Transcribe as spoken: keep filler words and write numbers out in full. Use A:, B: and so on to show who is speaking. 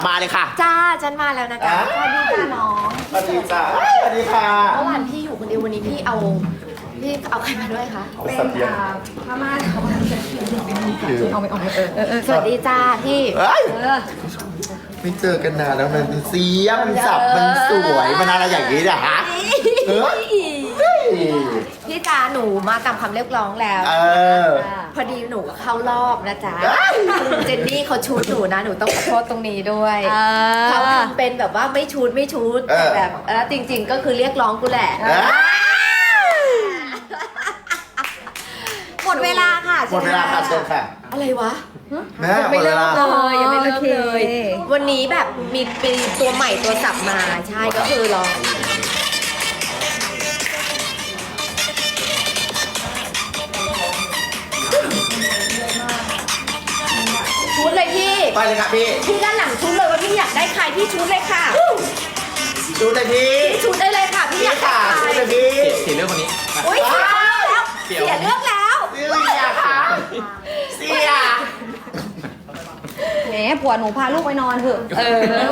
A: มาเลยค่ะ
B: จ้าฉันมาแล้วนะจ๊ะสวัสดีจ้าน้อง
A: สวัสดีจ้าสวัสดีค่ะ
B: เมื่อวานพี่อยู่คนเดียววันนี้พี่เอาพี่เอาใครมาด้วยคะ
A: เอาสัตว์เลี้ยง
B: พม่าเขา
A: คือ
B: เอาไปเอาไปเออเออเออสวัสดีจ้าพี่
A: เอ้ย
B: เออ
A: ไม่เจอกันนานแล้วมันเสียมันสับมันสวยมันอะไรอย่างนี้นะฮะเออ
B: พี่จ้าหนูมาตามคำเรียกร้องแล้ว
A: เออ
B: พอดีหนูก็เข้ารอบนะจ๊ะคุณเจนนี่เขาชูดหนูนะหนูต้องขอโทษตรงนี้ด้วยเขาทำเป็นแบบว่าไม่ชูดไม่ชูดแต่แบบแล้วจริง ๆ ก็คือเรียกร้องกูแหละ หมดเวลาค่ะ
A: หมดเวลาค่ะเชิญค่ะ
B: อะไรวะ
A: แม่หม
B: ไม่
A: ดเว
B: เลิก
A: ลา
B: เลยยังไม่เลิก
C: โอเค
B: เลย วันนี้แบบมีเป็นตัวใหม่ตัวสับมาใช่ก็คือลองชุดเลยพี่
A: ไปเลยค่ะพี่
B: พี่ด้านหลังชุดเลยว่าพี่อยากได้ใครพี่ชุดเลยค่ะ
A: ดูเลยพี่
B: พี่ชุดได้เลยค่ะพี่อยากได้
A: ค่ะ
B: ใคร
A: ดูเลยพี่
D: เสียเรื่องคนนี้
B: อุ้ยเสียแล้ว เสียเลือกแล้ว
A: เสียค่ะเสีย
C: แหมผัวหนูพาลูกไปนอนเถอะ
B: เออ